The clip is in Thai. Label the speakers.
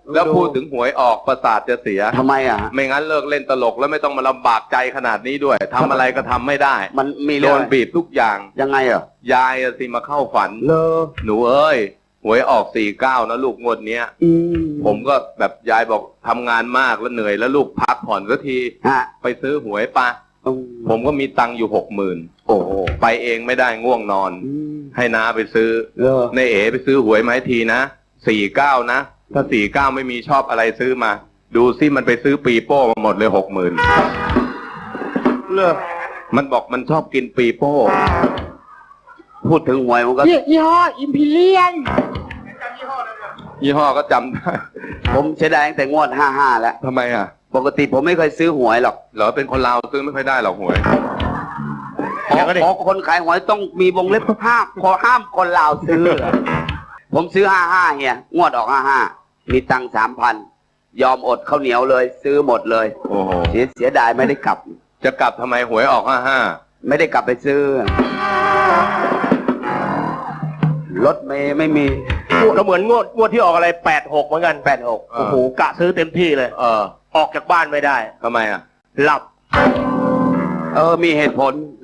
Speaker 1: แล้วพูดถึงหวยออกประสาทจะเสีย
Speaker 2: ทำไมอ่ะ
Speaker 1: ไม่งั้นเลิกเล่นตลกแล้วไม่ต้องมาลำบากใจขนาดนี้ด้วยทำอะไรก็ทำไม่ได้
Speaker 2: มันมี
Speaker 1: โดนบีบทุกอย่าง
Speaker 2: ยังไงอ่ะ
Speaker 1: ยายสิมาเข้าฝันหนูเอ้ยหวยออก49นะลูกงวดเนี้ยผมก็แบบยายบอกทำงานมากแล้วเหนื่อยแล้วลูกพักผ่อนสักทีไปซื้อหวยปะผมก็มีตังค์อยู่60,000โอ้ไปเองไม่ได้ง่วงนอนให้น้าไปซื้อในเอ๋ไปซื้อหวยมาให้ทีนะ49นะถ้า49ไม่มีชอบอะไรซื้อมาดูซิมันไปซื้อปีโป้มาหมดเลย60,000มันบอกมันชอบกินปีโป้
Speaker 2: พูดถึงหวยมันก็
Speaker 3: ยี่ห้ออิมพีเรียน
Speaker 1: ยี่ห้อก็จำได้
Speaker 2: ผมเสียดายตั้งแต่งวด55แล้ว
Speaker 1: ทำไมอ่ะ
Speaker 2: ปกติผมไม่เคยซื้อหวยหรอก
Speaker 1: เหรอเป็นคนลาวซื้อไม่ค่อยได้หรอกหวย
Speaker 2: ขอคนขายหวยต้องมีวงเล็บห้ามคนลาวซื้อผมซื้อ55เฮียงวดออก55มีตังค์ 3,000ยอมอดข้าวเหนียวเลยซื้อหมดเลย
Speaker 1: โอ้โห
Speaker 2: เสียดายไม่ได้กลับ
Speaker 1: จะกลับทำไมหวยออก55
Speaker 2: ไม่ได้กลับไปซื้อรถไม่มี
Speaker 3: ก็เหมือนงวดที่ออกอะไร86เหมือนกัน
Speaker 2: 86
Speaker 3: โอ้โหกะซื้อเต็มที่เลยออกจากบ้านไม่ได้
Speaker 1: ทำไมอ่ะ
Speaker 3: หลับ
Speaker 2: มีเหตุผล